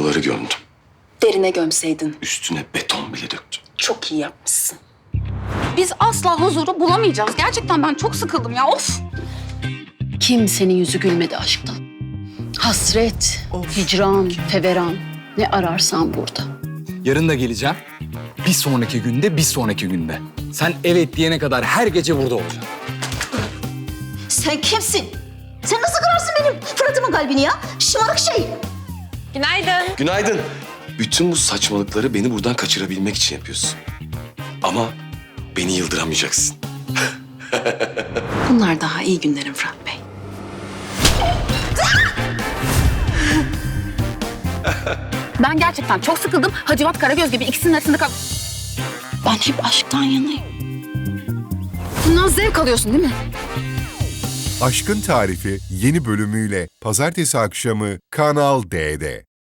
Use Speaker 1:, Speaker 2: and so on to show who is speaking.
Speaker 1: Paraları gömdüm.
Speaker 2: Derine gömseydin.
Speaker 1: Üstüne beton bile döktüm.
Speaker 2: Çok iyi yapmışsın.
Speaker 3: Biz asla huzuru bulamayacağız. Gerçekten ben çok sıkıldım ya. Of!
Speaker 4: Kimsenin yüzü gülmedi aşktan. Hasret, hicran, feveran. Ne ararsan burada.
Speaker 5: Yarın da geleceğim. Bir sonraki günde, bir sonraki günde. Sen evet diyene kadar her gece burada olacağım.
Speaker 6: Sen kimsin? Sen nasıl kırarsın benim Fırat'ımın kalbini ya? Şımarık şey.
Speaker 3: Günaydın.
Speaker 1: Günaydın. Bütün bu saçmalıkları beni buradan kaçırabilmek için yapıyorsun. Ama beni yıldıramayacaksın.
Speaker 2: Bunlar daha iyi günlerin Fırat Bey.
Speaker 3: Ben gerçekten çok sıkıldım. Hacivat Karagöz gibi ikisinin arasında kal...
Speaker 2: Ben hep aşktan yanayım.
Speaker 3: Bundan zevk alıyorsun değil mi?
Speaker 7: Aşkın Tarifi yeni bölümüyle pazartesi akşamı Kanal D'de.